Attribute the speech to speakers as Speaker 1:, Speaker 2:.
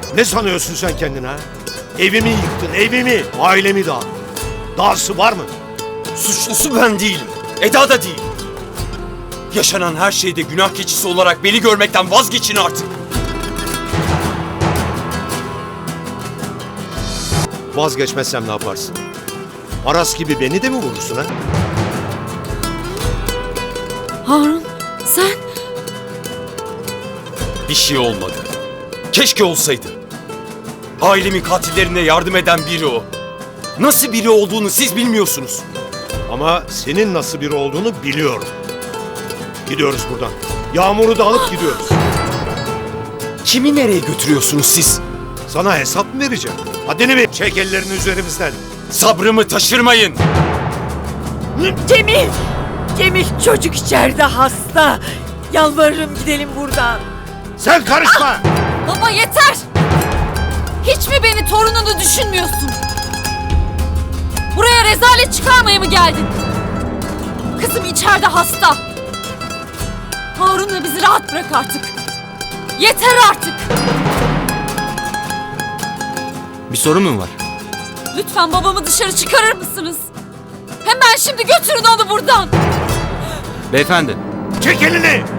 Speaker 1: Ne sanıyorsun sen kendine ha? Evimi yıktın, evimi, ailemi dağıttın. Dahası var mı?
Speaker 2: Suçlusu ben değilim. Eda da değil. Yaşanan her şeyde günah keçisi olarak beni görmekten vazgeçin artık.
Speaker 1: Vazgeçmezsem ne yaparsın? Aras gibi beni de mi vurursun ha?
Speaker 3: Harun sen...
Speaker 2: Bir şey olmadı. Keşke olsaydı. Ailemin katillerine yardım eden biri o. Nasıl biri olduğunu siz bilmiyorsunuz.
Speaker 1: Ama senin nasıl biri olduğunu biliyorum. Gidiyoruz buradan. Yağmur'u da alıp gidiyoruz.
Speaker 2: Kimi nereye götürüyorsunuz siz?
Speaker 1: Sana hesap mı vereceğim? Haddini bil. Çek ellerini üzerimizden.
Speaker 2: Sabrımı taşırmayın.
Speaker 3: Cemil! Cemil çocuk içeride hasta. Yalvarırım gidelim buradan.
Speaker 1: Sen karışma!
Speaker 4: Baba yeter! Hiç mi beni torununu düşünmüyorsun? Buraya rezalet çıkarmaya mı geldin? Kızım içeride hasta. Harun'la bizi rahat bırak artık. Yeter artık!
Speaker 2: Bir sorun mu var?
Speaker 4: Lütfen babamı dışarı çıkarır mısınız? Hemen şimdi götürün onu buradan.
Speaker 2: Beyefendi.
Speaker 1: Çek elini!